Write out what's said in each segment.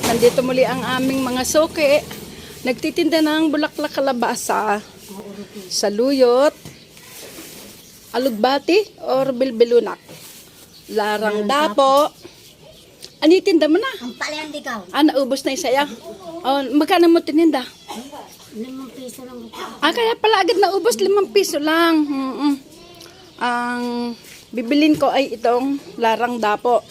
Nandito muli ang aming mga suki. Nagtitinda ng bulaklak kalabasa, saluyot, alugbati, or bilbilunak. Larang dapo. Ano itinda mo na? Ang palayan di ka. Naubos na isa ya. Magkano mo tininda? 5 piso lang. Kaya pala agad naubos, 5 piso lang. Ang bibilin ko ay itong larang dapo.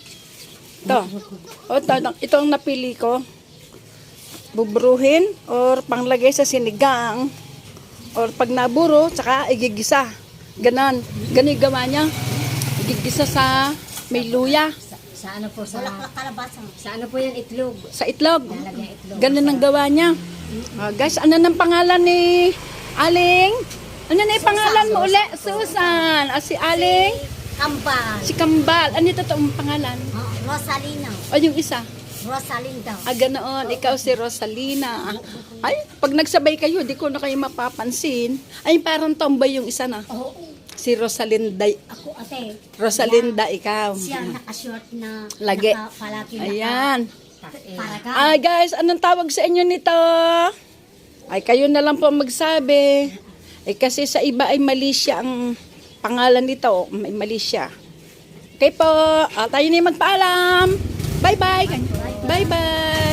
Ito ang napili ko. Bubruhin or panglagay sa sinigang or pag naburo, tsaka igigisa. Ganon yung gawa niya. Igigisa sa may luya. Sa ano po? Bulaklak kalabasa. Sa ano po yan? Itlog. Sa itlog. Lalagyan itlog. Ganon ang gawa niya. Guys, ano nang pangalan ni Aling? Ano na yung pangalan mo uli? Susan. Si Aling? Kambal. Si Kambal. Ano yung totoong pangalan? Rosalina. O yung isa? Rosalina daw. Ganoon. Ikaw si Rosalina. Ay, pag nagsabay kayo, di ko na kayo mapapansin. Ay, parang tomboy yung isa na. Oo. Si Rosalinda. Ako ate. Rosalinda, ikaw. Siya nakashort na. Lagi. Palagi Ayan. Para ka. Guys, anong tawag sa inyo nito? Ay, kayo na lang po magsabi. Kasi sa iba ay Malaysia ang pangalan nito. May Malaysia. Okay po. Tayo na yung magpaalam. Bye-bye. Bye-bye.